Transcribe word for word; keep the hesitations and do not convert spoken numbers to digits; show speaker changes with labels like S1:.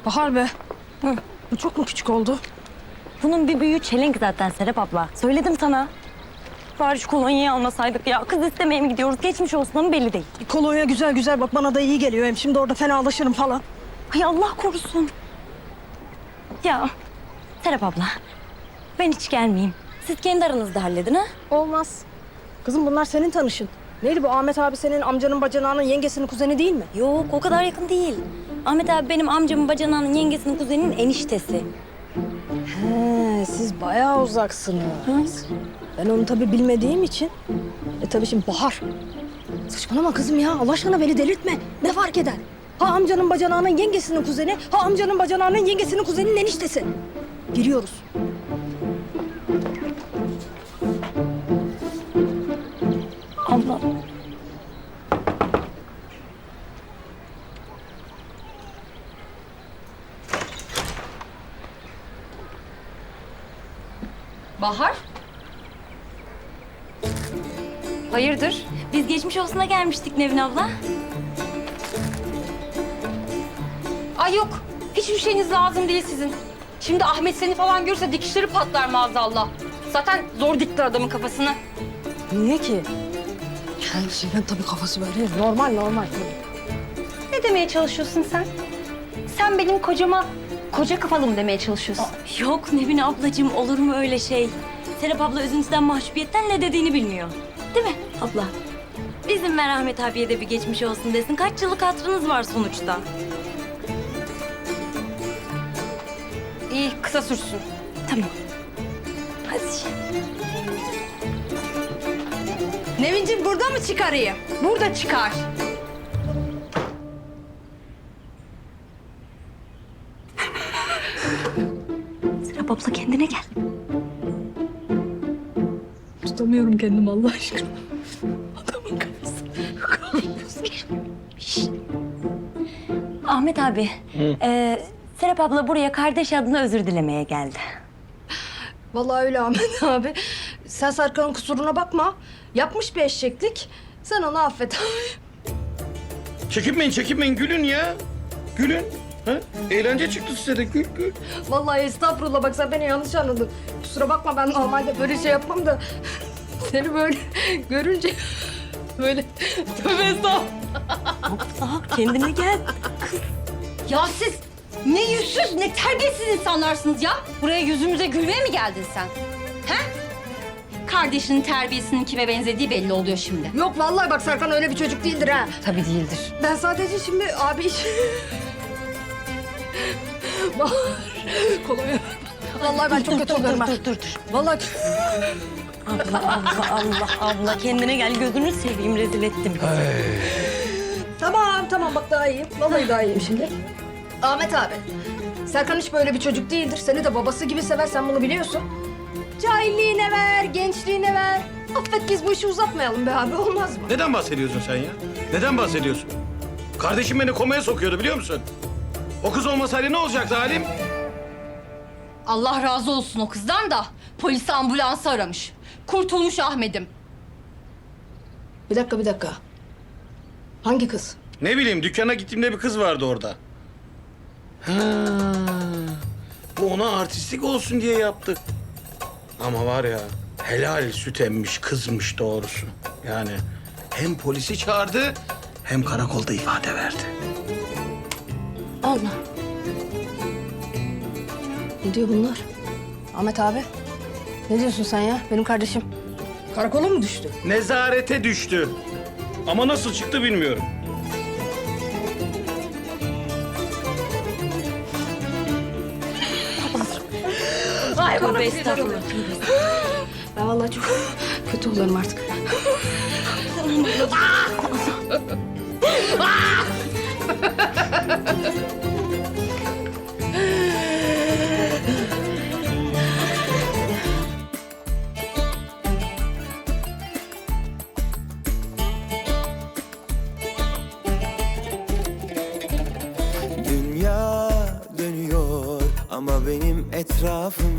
S1: Bahar be. Hı. Bu çok mu küçük oldu?
S2: Bunun bir büyüğü çelenk zaten Serap abla. Söyledim sana. Bari şu kolonyayı almasaydık ya. Kız istemeye mi gidiyoruz? Geçmiş olsun ama belli değil.
S1: Kolonya güzel güzel bak bana da iyi geliyor. Hem şimdi orada fenalaşırım falan.
S2: Ay Allah korusun. Ya Serap abla, ben hiç gelmeyeyim. Siz kendi aranızda halledin ha?
S1: Olmaz. Kızım bunlar senin tanışın. Neydi bu Ahmet abi senin amcanın bacanağının yengesinin kuzeni değil mi?
S2: Yok o kadar yakın değil. Ahmet abi benim amcamın bacanağının yengesinin kuzeninin eniştesi.
S1: He, siz bayağı uzaksınız. Ben onu tabii bilmediğim için. E tabii şimdi Bahar. Saçmalama kızım ya. Allah aşkına beni delirtme. Ne fark eder? Ha amcanın bacanağının yengesinin kuzeni, ha amcanın bacanağının yengesinin kuzeninin eniştesi. Giriyoruz.
S2: Abla.
S3: Bahar? Hayırdır?
S2: Biz geçmiş olsuna gelmiştik Nevin abla.
S3: Ay yok. Hiçbir şeyiniz lazım değil sizin. Şimdi Ahmet seni falan görürse dikişleri patlar maazallah. Zaten zor dikti adamın kafasını.
S1: Niye ki? Yani şeyden tabii kafası böyle. Normal normal tabii.
S3: Ne demeye çalışıyorsun sen? Sen benim kocama koca kafalı mı demeye çalışıyorsun?
S2: Yok Nevin ablacığım olur mu öyle şey? Serap abla üzüntüden mahcubiyetten ne dediğini bilmiyor. Değil mi abla? Bizim Merhamet abiye de bir geçmiş olsun desin. Kaç yıllık hatırınız var sonuçta.
S3: İyi, kısa sürsün.
S2: Tamam. Hadi.
S3: Nevinciğim burada mı çıkarayım? Burada çıkar.
S2: Serap abla kendine gel.
S1: Tutamıyorum kendimi Allah aşkına. Adamın kafası.
S2: Ahmet abi, e, Serap abla buraya kardeş adına özür dilemeye geldi.
S1: Vallahi öyle Ahmet abi. Sen Serkan'ın kusuruna bakma. Yapmış bir eşeklik. Sen onu affet abi.
S4: Çekinmeyin, çekinmeyin. Gülün ya. Gülün. Ha? Eğlence çıktı size de. Gül, gül.
S1: Vallahi estağfurullah bak sen beni yanlış anladın. Kusura bakma ben normalde böyle şey yapmam da... Seni böyle görünce böyle tövbe estağfurullah.
S2: Abla kendine gel.
S3: Ya siz ne yüzsüz ne terbiyesiz insanlarsınız ya. Buraya yüzümüze gülmeye mi geldin sen? He? Kardeşinin terbiyesinin kime benzediği belli oluyor şimdi.
S1: Yok vallahi bak Serkan öyle bir çocuk değildir ha.
S3: Tabii değildir.
S1: Ben sadece şimdi abi iş... Bahar, kolonya. Vallahi ben çok kötü oluyorum ha.
S2: Dur dur dur.
S1: Vallahi
S2: Abla abla Allah abla kendine gel gözünü seveyim rezil ettim.
S1: tamam tamam bak daha iyiyim. Vallahi daha iyiyim şimdi. Ahmet abi, Serkan hiç böyle bir çocuk değildir. Seni de babası gibi sever, sen bunu biliyorsun. Cahilliğine ver, gençliğine ver. Affet biz bu işi uzatmayalım be abi, olmaz mı?
S4: Neden bahsediyorsun sen ya? Neden bahsediyorsun? Kardeşim beni komaya sokuyordu biliyor musun? O kız olmasaydı ne olacaktı halim?
S3: Allah razı olsun o kızdan da polisi ambulansı aramış. Kurtulmuş Ahmet'im.
S1: Bir dakika, bir dakika. Hangi kız?
S4: Ne bileyim dükkana gittiğimde bir kız vardı orada. Ha, bu ona artistik olsun diye yaptı. Ama var ya helal süt emmiş kızmış doğrusu. Yani hem polisi çağırdı hem karakolda ifade verdi.
S1: Allah. Ne diyor bunlar? Ahmet abi, ne diyorsun sen ya? Benim kardeşim karakola mı düştü?
S4: Nezarete düştü. Ama nasıl çıktı bilmiyorum.
S1: Ay
S2: Tövbe estağfurullah.
S1: Ben vallahi çok kötü oluyorum artık.
S5: Dünya dönüyor ama benim etrafım